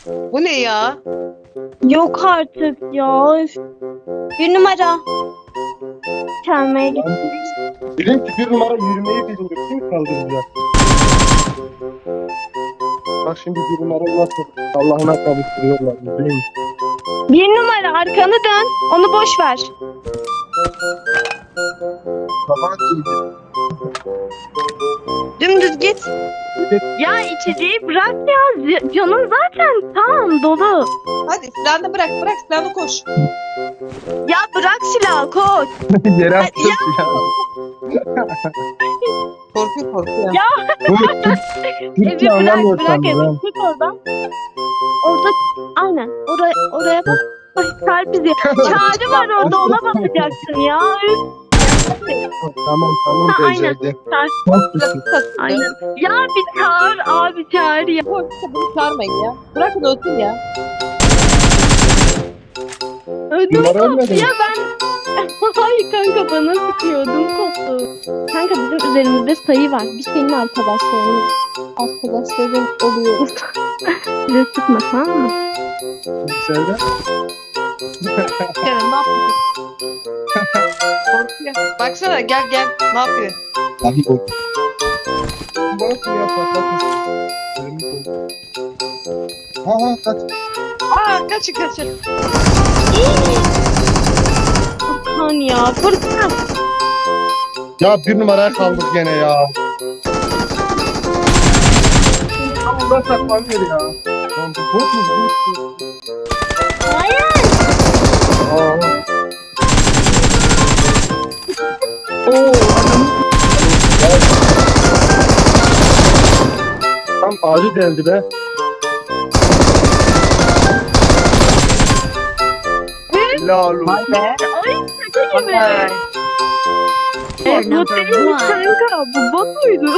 Bu ne ya? Yok artık ya. Üf. Bir numara. Çalmaya git. Bilin ki bir numara yürümeyi bilmiyor. Kim kaldıracak? Bak şimdi bir numara nasıl Allah'ına kavuşturuyorlar. Bilin. Bir numara arkanı dön. Onu boş ver. Sabah şimdi. Dümdüz git. Ya içeceği bırak ya. Canın zaten tam dolu. Hadi silahını bırak. Bırak silahını koş. Ya bırak silahı koş. Yere attım ya. Korkuyor. Ya. Türkçe Evi bırak anlamıyor bırak sandım evi. ben. Çık oradan. Orada aynen. Oraya bak. Ay kalp izi. Çağrı var orada ona bakacaksın ya. Üf. Tamam Ha, aynen. becerdi. Çağır. Çok güzel. Aynen. Ya bir çağır abi çağır ya. Korksa bunu çağırmayın ya. Bırakın ölsün ya. Ödüm Numara koptu ölmedi mi? ya ben. Hayır kanka bana sıkıyor ödüm koptu. Kanka bizim üzerimizde sayı var. Biz senin arkadaşların oluyoruz. Bize sıkma tamam mı? Söyle. Kerem ne yapıyorsun? Korkuyor. Baksana gel. Ne yapıyor? Abi bu. Bak ya patates. Ha kaç. Kaçın. Furkan ya Furkan. Ya bir numaraya kaldık gene ya. Allah saklanıyor ya. Lan bu bot mu? Hayır. Aa. Oo. Tam ağacı deldi be. Helal olsun. Vay be. Ay şaka gibi. Bu değil kanka bu bot muydu?